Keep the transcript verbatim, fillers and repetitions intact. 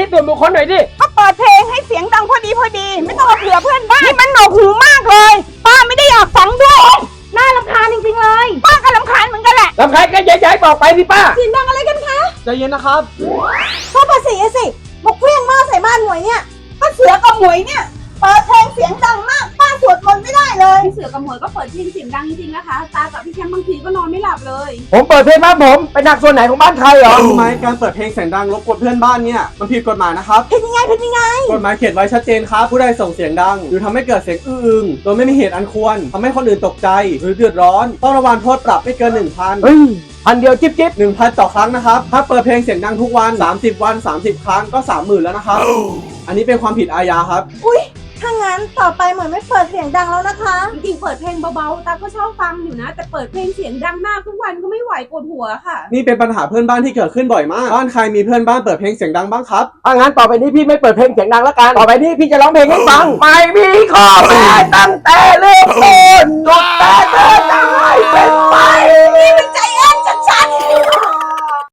ส่วนบุคคลหน่อยดิก็เปิดเพลงให้เสียงดังพอดีพอดีไม่ต้องมาเผื่อเพื่อนบ้านนี่มันหนวกหูมากเลยป้าไม่ได้อยากฟังด้วยน่ารำคาญจริงๆเลยป้าก็รำคาญเหมือนกันแหละรำคาญก็ย้ายๆบอกไปสิป้าเสียงดังอะไรกันคะใจเย็นนะครับชอบภาษีสิบอกเพี้ยงมากใส่บ้านหมวยเนี่ยป้าเสือกับหมวยเนี่ยเปิดเพลงเสียงดังมากป้าสวดมนต์ไม่ได้เลยพี่เสือกับหมวยก็เปิดเพลงเสียงดังจริงๆนะคะตากับพี่แชมป์บางทีก็นอนไม่หลับเลยผมเปิดเพลงบ้านผมเป็นหนักส่วนไหนของบ้านใครเหรอรู้ไหมการเปิดเพลงเสียงดังรบกวนเพื่อนบ้านเนี่ยมันผิดกฎหมายนะครับเป็นยังไงเป็นยังไงกฎหมายเขียนไว้ชัดเจนครับผู้ใดส่งเสียงดังหรือทำให้เกิดเสียงอื้ออึงโดยไม่มีเหตุอันควรทำให้คนอื่นตกใจหรือเดือดร้อนต้องระวังโทษปรับไม่เกิน หนึ่งพันเฮ้ยพันเดียวจิ๊บจิ๊บหนึ่งพันต่อครั้งนะครับถ้าเปิดเพลงเสียงดังทุกวันสามสิบวันสามสิบครั้งก็ สามหมื่น แล้วนะครับ อันนี้เป็นความผิดอาญาครับอุ้ยถ้างั้นต่อไปเหมือนไม่เปิดเสียงดังแล้วนะคะจริงๆเปิดเพลงเบาๆตาก็ชอบฟังอยู่นะแต่เปิดเพลงเสียงดังมากทุกวันก็ไม่ไหวปวดหัวค่ะนี่เป็นปัญหาเพื่อนบ้านที่เกิดขึ้นบ่อยมากบ้านใครมีเพื่อนบ้านเปิดเพลงเสียงดังบ้างครับถ้างั้นต่อไปนี้พี่ไม่เปิดเพลงเสียงดังแล้วกันต่อไปนี้พี่จะร้องเพลงให้ฟังไม่มีข้อแม้ตั้งแต่เริ่มต้นจน